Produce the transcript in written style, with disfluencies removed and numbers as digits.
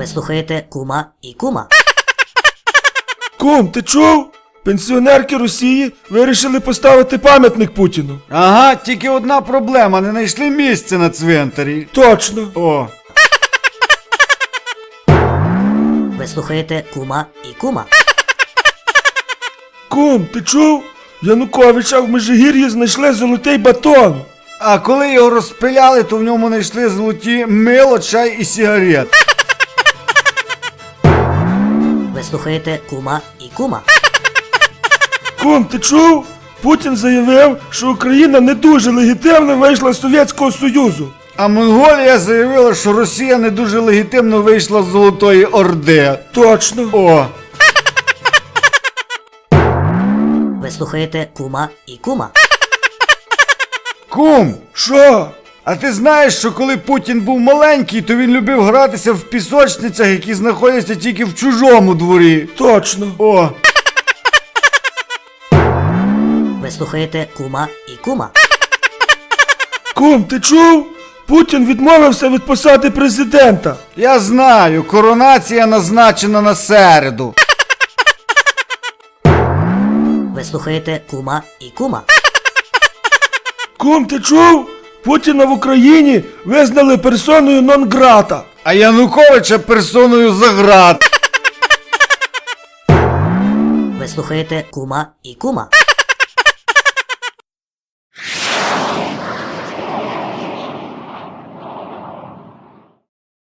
Ви слухаєте Кума і Кума. Кум, ти чув? Пенсіонерки Росії вирішили поставити пам'ятник Путіну. Ага, тільки одна проблема, не знайшли місце на цвинтарі. Точно. О. Ви слухаєте Кума і Кума. Кум, ти чув? Януковича в Межигір'ї знайшли золотий батон. А коли його розпиляли, то в ньому знайшли золоті мило, чай і сигарет. Ви слухаєте Кума і Кума. Кум, ти чув? Путін заявив, що Україна не дуже легітимно вийшла з Совєтського Союзу. А Монголія заявила, що Росія не дуже легітимно вийшла з Золотої Орди. Точно. О. Ви слухаєте Кума і Кума. Кум, Що? а ти знаєш, що коли Путін був маленький, то він любив гратися в пісочницях, які знаходяться тільки в чужому дворі. Точно. О. Ви слухаєте Кума і Кума. Кум, ти чув? Путін відмовився від посади президента. Я знаю, коронація назначена на середу. Ви слухаєте Кума і Кума. Кум, ти чув? Путіна в Україні визнали персоною нон-грата. А Януковича персоною за град. Ви слухаєте Кума і Кума.